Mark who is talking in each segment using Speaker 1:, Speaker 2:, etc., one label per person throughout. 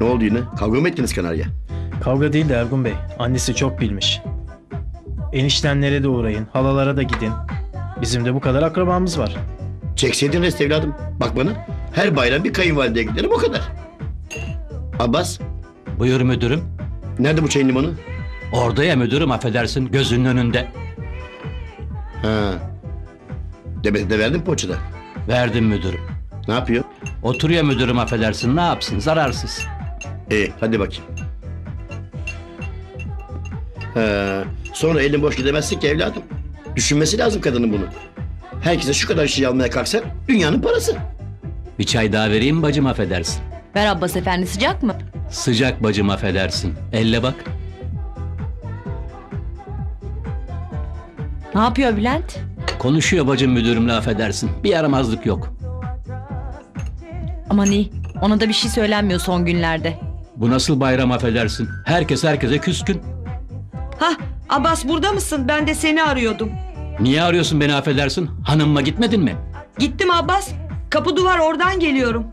Speaker 1: Ne oldu yine? Kavga mı ettiniz kanarya?
Speaker 2: Kavga değil de Ergun Bey. Annesi çok bilmiş. Eniştenlere de uğrayın, halalara da gidin. Bizim de bu kadar akrabamız var.
Speaker 1: Çekseydin rest evladım. Bak bana. Her bayram bir kayınvalideye giderim o kadar. Abbas,
Speaker 3: Buyur müdürüm.
Speaker 1: nerede bu çayın limanı?
Speaker 3: Orada ya müdürüm, affedersin, gözünün önünde.
Speaker 1: Ha. Demet'e de verdin poğaçada.
Speaker 3: Verdim müdürüm.
Speaker 1: Ne yapıyor?
Speaker 3: Oturuyor müdürüm, affedersin, ne yapsın, zararsız.
Speaker 1: Hadi bakayım. Sonra elin boş gidemezsin ki evladım. Düşünmesi lazım kadının bunu. Herkese şu kadar şey almaya kalksan dünyanın parası.
Speaker 3: Bir çay daha vereyim bacım, affedersin.
Speaker 4: Ver Abbas efendi, sıcak mı?
Speaker 3: Sıcak bacım, affedersin. Elle bak.
Speaker 4: Ne yapıyor Bülent?
Speaker 3: Konuşuyor bacım müdürümle, affedersin. Bir yaramazlık yok.
Speaker 4: Aman iyi. Ona da bir şey söylenmiyor son günlerde.
Speaker 3: Bu nasıl bayram, affedersin. Herkes herkese küskün.
Speaker 5: Hah, Abbas burada mısın? Ben de seni arıyordum.
Speaker 3: Niye arıyorsun beni, affedersin? Hanımma gitmedin mi?
Speaker 5: Gittim Abbas. Kapı duvar, oradan geliyorum.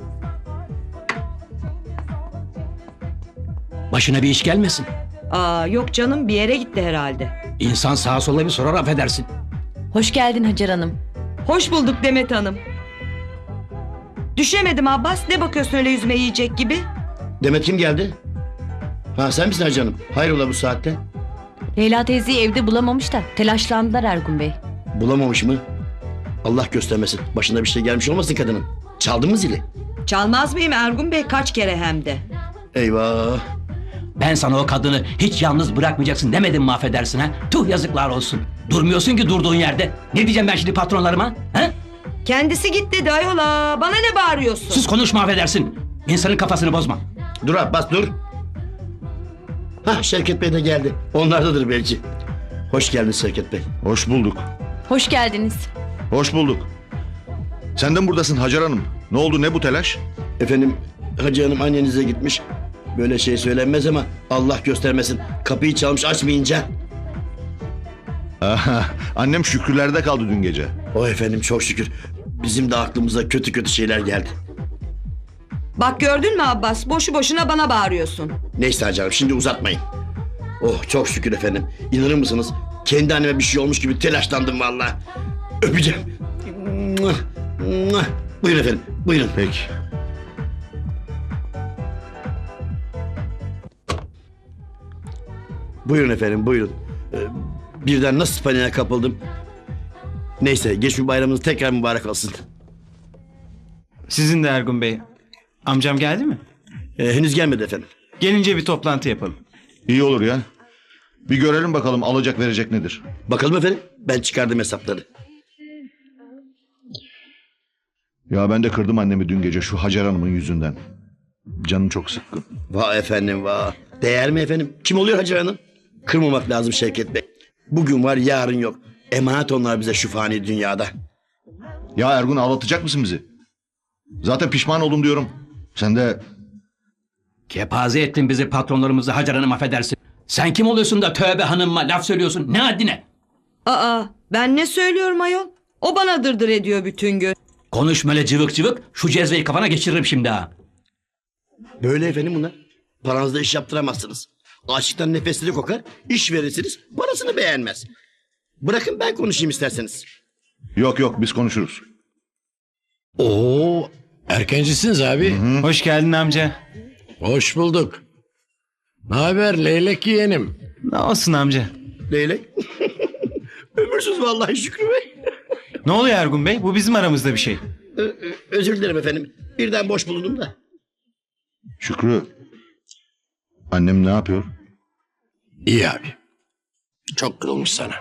Speaker 3: Başına bir iş gelmesin.
Speaker 5: Aa, yok canım, bir yere gitti herhalde.
Speaker 3: İnsan sağa sola bir sorar, affedersin.
Speaker 4: Hoş geldin Hacer Hanım.
Speaker 5: Hoş bulduk Demet Hanım. Düşemedim Abbas. Ne bakıyorsun öyle yüzme yiyecek gibi?
Speaker 1: Demet kim geldi? Ha sen misin Hacı Hanım? Hayrola bu saatte?
Speaker 4: Leyla teyzeyi evde bulamamış da telaşlandılar Ergun Bey.
Speaker 1: Bulamamış mı? Allah göstermesin. Başına bir şey gelmiş olmasın kadının. Çaldın mı zili?
Speaker 5: Çalmaz mıyım Ergun Bey, kaç kere hem de.
Speaker 1: Eyvah.
Speaker 3: Ben sana o kadını hiç yalnız bırakmayacaksın demedim mi, affedersin ha? Tuh, yazıklar olsun. Durmuyorsun ki durduğun yerde. Ne diyeceğim ben şimdi patronlarıma? Ha?
Speaker 5: Kendisi git dedi ayola. Bana ne bağırıyorsun?
Speaker 3: Sus, konuşma, affedersin. İnsanın kafasını bozma.
Speaker 1: Dur Abbas dur. Hah Şevket Bey de geldi. Onlardadır belki. Hoş geldiniz Şevket Bey.
Speaker 6: Hoş bulduk.
Speaker 4: Hoş geldiniz.
Speaker 6: Hoş bulduk. Sen de mi buradasın Hacer Hanım? Ne oldu, ne bu telaş?
Speaker 1: Efendim Hacı Hanım annenize gitmiş. Böyle şey söylenmez ama Allah göstermesin. Kapıyı çalmış açmayınca.
Speaker 6: Aha, annem şükürlerde kaldı dün gece.
Speaker 1: O efendim çok şükür. Bizim de aklımıza kötü kötü şeyler geldi.
Speaker 5: Bak gördün mü Abbas? Boşu boşuna bana bağırıyorsun.
Speaker 1: Neyse Hacı Hanım şimdi uzatmayın. Oh çok şükür efendim. İnanır mısınız? Kendi anneme bir şey olmuş gibi telaşlandım vallahi. Öpeceğim. Buyurun efendim buyurun.
Speaker 6: Peki.
Speaker 1: Buyurun efendim buyurun. Birden nasıl paniğe kapıldım. Neyse geçmiş bayramınız tekrar mübarek olsun.
Speaker 2: Sizin de Ergun Bey. Amcam geldi mi?
Speaker 1: Henüz gelmedi efendim.
Speaker 2: Gelince bir toplantı yapalım.
Speaker 6: İyi olur ya. Bir görelim bakalım alacak verecek nedir?
Speaker 1: Bakalım efendim ben çıkardım hesapları.
Speaker 6: Ya ben de kırdım annemi dün gece şu Hacer Hanım'ın yüzünden. Canım çok sıkkın.
Speaker 1: Vah efendim vah. Değer mi efendim? Kim oluyor Hacı Hanım? Kırmamak lazım Şevket Bey. Bugün var yarın yok. Emanet onlar bize şu fani dünyada.
Speaker 6: Ya Ergun, ağlatacak mısın bizi? Zaten pişman oldum diyorum. Sen de...
Speaker 3: Kepaze ettin bizi, patronlarımızı, Hacer Hanım, affedersin. Sen kim oluyorsun da tövbe hanımma laf söylüyorsun? Ne haddine?
Speaker 5: Aa, ben ne söylüyorum ayol? O bana dırdır ediyor bütün gün.
Speaker 3: Konuşma öyle cıvık cıvık. Şu cezveyi kafana geçiririm şimdi ha.
Speaker 1: Böyle efendim bunlar. Paranızda iş yaptıramazsınız. Açlıktan nefesleri kokar, iş verirsiniz, parasını beğenmez. Bırakın ben konuşayım isterseniz.
Speaker 6: Yok yok, biz konuşuruz.
Speaker 7: Oo, erkencisiniz abi.
Speaker 2: Hoş geldin amca.
Speaker 7: Hoş bulduk. Ne haber leylek yeğenim?
Speaker 2: Ne olsun amca?
Speaker 1: Leylek. Ömürsüz vallahi Şükrü Bey.
Speaker 2: Ne oluyor Ergun Bey? Bu bizim aramızda bir şey.
Speaker 1: Özür dilerim efendim. Birden boş bulundum da.
Speaker 6: Şükrü. Annem ne yapıyor?
Speaker 7: İyi abi. Çok kırılmış sana.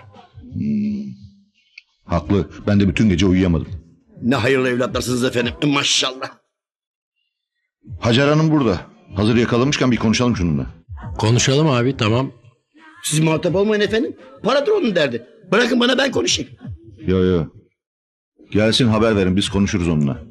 Speaker 6: Haklı. Ben de bütün gece uyuyamadım.
Speaker 1: Ne hayırlı evlatlarsınız efendim. Maşallah.
Speaker 6: Hacer Hanım burada. Hazır yakalamışken bir konuşalım şununla.
Speaker 7: Konuşalım abi, tamam.
Speaker 1: Siz muhatap olmayın efendim. Paradır onun derdi. Bırakın bana ben konuşayım.
Speaker 6: Yo yo. Gelsin haber verin, biz konuşuruz onunla.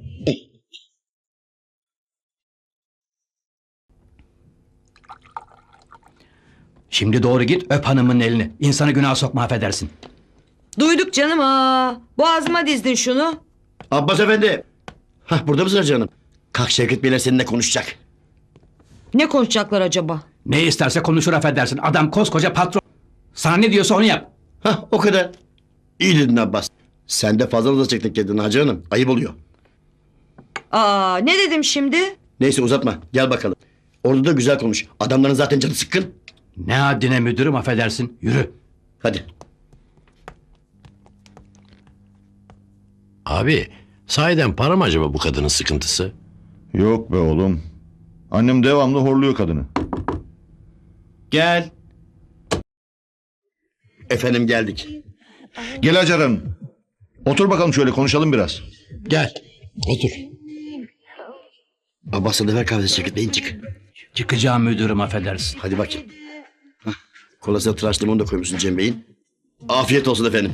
Speaker 3: Şimdi doğru git, öp hanımın elini. İnsanı günah sokma, affedersin.
Speaker 5: Duyduk canım ha. Boğazıma dizdin şunu.
Speaker 1: Abbas efendi. Hah burada mısın Hacı Hanım? Kalk Şevket Beyler seninle konuşacak.
Speaker 5: Ne konuşacaklar acaba?
Speaker 3: Ne isterse konuşur affedersin. Adam koskoca patron. Sana ne diyorsa onu yap.
Speaker 1: Hah, o kadar. İyi dedin Abbas. Sen de fazla uzayacaktın kendini Hacı Hanım. Ayıp oluyor.
Speaker 5: Aa, ne dedim şimdi?
Speaker 1: Neyse uzatma. Gel bakalım. Orada da güzel konuş. Adamların zaten canı sıkkın.
Speaker 3: Ne haddine müdürüm affedersin. Yürü.
Speaker 1: Hadi.
Speaker 7: Abi sahiden para mı acaba bu kadının sıkıntısı?
Speaker 6: Yok be oğlum. Annem devamlı horluyor kadını.
Speaker 2: Gel.
Speaker 1: Efendim geldik.
Speaker 6: Gel Hacer Hanım. Otur bakalım şöyle konuşalım biraz.
Speaker 7: Gel otur.
Speaker 1: Abbas'a da ver kahvesi çekirdeğin çık.
Speaker 3: Çıkacağım müdürüm affedersin.
Speaker 1: Hadi bakayım. Hah, kolasına tıraş limonu da koymuşsun Cem Bey'in. Afiyet olsun efendim.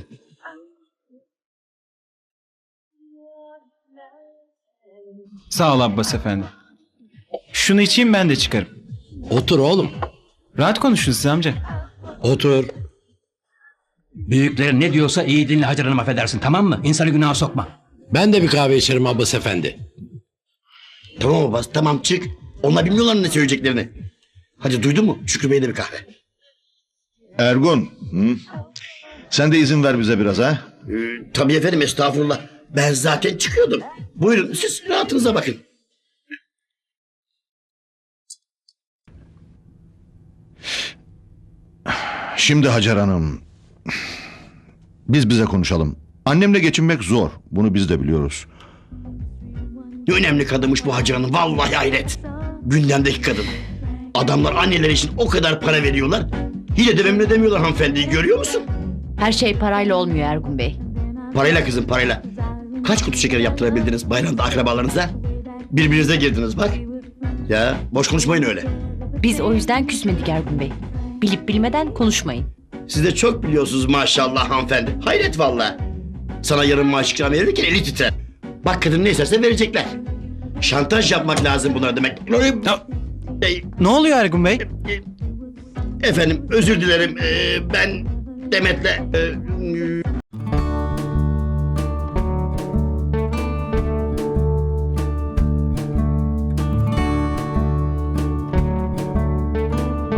Speaker 2: Sağ ol Abbas efendi. Şunu içeyim ben de çıkarım.
Speaker 7: Otur oğlum.
Speaker 2: Rahat konuşun siz amca.
Speaker 7: Otur.
Speaker 3: Büyüklerin ne diyorsa iyi dinle Hacer Hanım affedersin, tamam mı? İnsanı günaha sokma.
Speaker 7: Ben de bir kahve içerim Abbas efendi.
Speaker 1: Tamam Abbas tamam çık. Onlar bilmiyorlar ne söyleyeceklerini. Hadi duydun mu? Şükrü Bey'e de bir kahve.
Speaker 6: Ergun. Hı? Sen de izin ver bize biraz ha.
Speaker 1: Tabii efendim estağfurullah. Ben zaten çıkıyordum. Buyurun siz rahatınıza bakın.
Speaker 6: Şimdi Hacer Hanım. Biz bize konuşalım. Annemle geçinmek zor. Bunu biz de biliyoruz.
Speaker 1: Ne önemli kadınmış bu Hacı Hanım. Vallahi hayret. Gündemdeki kadın. Adamlar anneleri için o kadar para veriyorlar. Yine de memnun edemiyorlar hanımefendiyi görüyor musun?
Speaker 4: Her şey parayla olmuyor Ergun Bey.
Speaker 1: Parayla kızım parayla. Kaç kutu şeker yaptırabildiniz bayramda akrabalarınıza? Birbirinize girdiniz bak. Ya boş konuşmayın öyle.
Speaker 4: Biz o yüzden küsmedik Ergun Bey. Bilip bilmeden konuşmayın.
Speaker 1: Siz de çok biliyorsunuz maşallah hanımefendi. Hayret vallahi. Sana yarın maaş ikram verirken eli titrer. Bak kadın ne isterse verecekler. Şantaj yapmak lazım bunlar demek.
Speaker 2: Ne oluyor Ergun Bey?
Speaker 1: Efendim özür dilerim. Ben Demet'le